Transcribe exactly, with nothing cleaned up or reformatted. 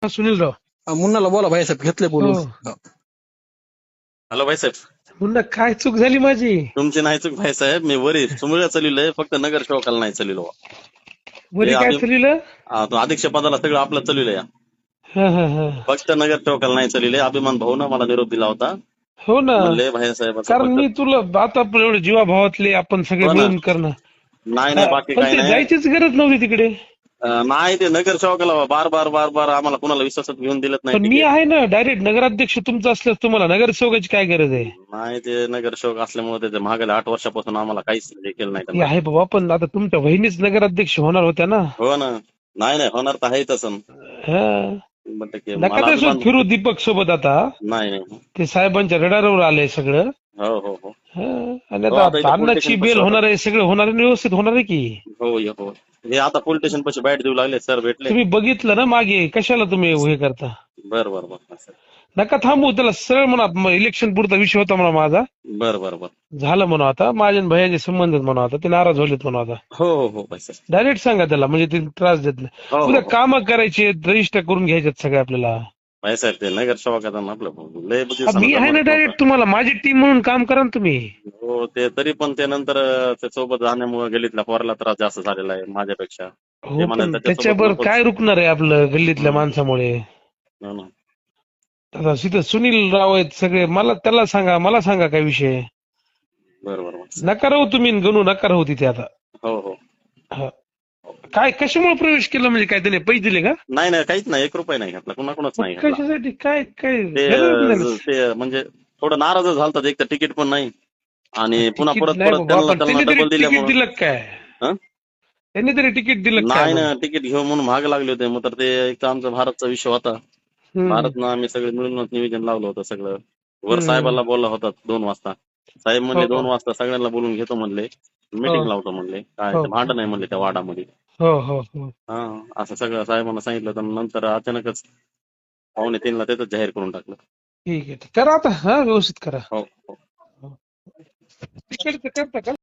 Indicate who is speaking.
Speaker 1: हा, सुनीलराव.
Speaker 2: हा, मुन्नाला बोला भाईसाहेब, घेतले बोलून.
Speaker 1: हो.
Speaker 3: हॅलो भाईसाहेब,
Speaker 1: मुन्ना, काय चूक झाली माझी?
Speaker 3: तुमची नाही चूक भाईसाहेब. मी वरी सुमुळ्या चाललोय, फक्त नगर सेवकाला नाही चाललो.
Speaker 1: वरी काय चाललं?
Speaker 3: अध्यक्ष पदाला सगळं आपलं चाललोय,
Speaker 1: हा हा हा.
Speaker 3: फक्त नगर सेवकाला नाही चाललोय. अभिमान भाऊन मला निरोप दिला होता,
Speaker 1: हो ना,
Speaker 3: म्हणले भाईसाहेब
Speaker 1: कारण मी तुला आता आपण एवढे जीवाभावातले आपण सगळे
Speaker 3: हो ना.
Speaker 1: मिळून करणं.
Speaker 3: नाही नाही, बाकी
Speaker 1: पण
Speaker 3: काही
Speaker 1: ते
Speaker 3: नाही.
Speaker 1: जायचीच गरज नव्हती तिकडे.
Speaker 3: अं, नाही, ते नगर सेवकाला बार बार बार बार आम्हाला कुणाला विश्वासात घेऊन दिलत नाही
Speaker 1: पण मी
Speaker 3: तिकीट.
Speaker 1: आहे ना, डायरेक्ट नगराध्यक्ष तुमचं असल्यास तुम्हाला नगरसेवकाची काय गरज आहे?
Speaker 3: नाही, ते नगर सेवक असल्यामुळे त्याच्या मागल्या आठ वर्षापासून आम्हाला काहीच हे केलं नाही
Speaker 1: ती
Speaker 3: त्यांना.
Speaker 1: आहे बाबा, पण आता तुमच्या बहिणीच नगराध्यक्ष होणार होत्या ना.
Speaker 3: हो ना. नाही नाही, होणार तर आहे तसं.
Speaker 1: हा.
Speaker 3: शंभर टक्के.
Speaker 1: नका
Speaker 3: मला
Speaker 1: तसं
Speaker 3: अभिमान
Speaker 1: फिरू दीपक सोबत आता.
Speaker 3: नाही नाही.
Speaker 1: ते साहेबांच्या रडारवर आलंय सगळं.
Speaker 3: हो हो हो
Speaker 1: हा. आणि
Speaker 3: हो, आता
Speaker 1: आता
Speaker 3: इथं
Speaker 1: अन्नाची
Speaker 3: पोलिटिशियन
Speaker 1: बेल
Speaker 3: पक्ष
Speaker 1: होणार आहे, सगळं होणार आहे, व्यवस्थित होणार आहे की.
Speaker 3: हो ये हो. हे आता पोलीस स्टेशन पाशी बाईट देऊ लागले, सर भेटले.
Speaker 1: तुम्ही बघितलं ना मागे, कशाला तुम्ही हे करता?
Speaker 3: बर बर बर
Speaker 1: नका थांबू, त्याला सरळ म्हणा, इलेक्शन पुरता विषय होता म्हणा माझा,
Speaker 3: बर बर बर.
Speaker 1: झालं म्हणा आता, माझ्या आणि भैयाचे संबंध म्हणा आता, ते नाराज झालेत म्हणा आता.
Speaker 3: हो हो हो भाई सर.
Speaker 1: डायरेक्ट सांगा त्याला, म्हणजे ते त्रास देत नाही.
Speaker 3: हो हो
Speaker 1: उद्या
Speaker 3: हो.
Speaker 1: काम करायचे, रजिस्टर करून घ्यायचे सगळे आपल्याला.
Speaker 3: भाई साहेब, ते नगर सेवक आता आपलं लय
Speaker 1: आ,
Speaker 3: दिवसानं
Speaker 1: मी आहे ना
Speaker 3: जमत
Speaker 1: डायरेक्ट,
Speaker 3: नव्हतं.
Speaker 1: तुम्हाला माझी टीम म्हणून काम करा ना तुम्ही.
Speaker 3: हो, ते तरी पण ते नंतर ते सोबत जाण्यामुळे गलीतल्या पोराला त्रास जास्त झालेला आहे माझ्यापेक्षा. ते
Speaker 1: हो,
Speaker 3: म्हणाले
Speaker 1: पण
Speaker 3: त्याच्यासोबत
Speaker 1: त्याच्यावर
Speaker 3: नकोच.
Speaker 1: काय रुकणार आहे आपलं गल्लीतल्या
Speaker 3: हम्म.
Speaker 1: माणसामुळे?
Speaker 3: हो ना.
Speaker 1: आता तिथं सुनील राव आहेत सगळे, मला त्याला सांगा, मला सांगा काय विषय.
Speaker 3: बर बर बर.
Speaker 1: नका राहू तुम्ही, गणू नका राहू तिथे आता.
Speaker 3: हो हो.
Speaker 1: हा. काय कशामुळे प्रवेश केला, म्हणजे काय त्याने पैसे दिले का?
Speaker 3: नाही नाही, काहीच नाही, एक रुपया नाही घेतला, कुणाकुणाच
Speaker 1: मग
Speaker 3: नाही घेतला.
Speaker 1: कशासाठी, काय काय
Speaker 3: ते
Speaker 1: गरज नाही.
Speaker 3: ते म्हणजे थोडं नाराज झालतात, एक तर तिकीट पण नाही आणि पुन्हा
Speaker 1: तिकीट
Speaker 3: परत
Speaker 1: नाही
Speaker 3: परत
Speaker 1: बाबा,
Speaker 3: त्यांना
Speaker 1: पण
Speaker 3: त्यांना
Speaker 1: त्यांनी तरी
Speaker 3: डबल
Speaker 1: तिकीट
Speaker 3: दिल्यामुळं.
Speaker 1: दिलं काय?
Speaker 3: हं?
Speaker 1: त्यांनी तरी तिकीट दिलं काय?
Speaker 3: नाही
Speaker 1: मग?
Speaker 3: ना, तिकीट घेऊ म्हणून महाग लागले होते. मग तर ते एक तर आमचा भारतचा विषय होता.
Speaker 1: हम्म,
Speaker 3: भारतनं आम्ही सगळे मिळूनच नियोजन लावलं होतं सगळं. वर
Speaker 1: हम्म.
Speaker 3: साहेबाला बोलला होता दोन वाजता. साहेब म्हणले
Speaker 1: हो
Speaker 3: दोन वाजता सगळ्यांना बोलून घेतो म्हणले, मीटिंग
Speaker 1: हो
Speaker 3: लावतो म्हणले. काय
Speaker 1: हो
Speaker 3: ते भांडण नाही म्हणले त्या वाडामध्ये.
Speaker 1: हो हो हो.
Speaker 3: हा, असं सगळं साहेबांना सांगितलं, तर नंतर अचानकच पावणे तीनला तिथंच जाहीर करून टाकलं.
Speaker 1: ठीक आहे, करा आता, हा व्यवस्थित करा.
Speaker 3: हो हो.
Speaker 1: तिकडचं करता का?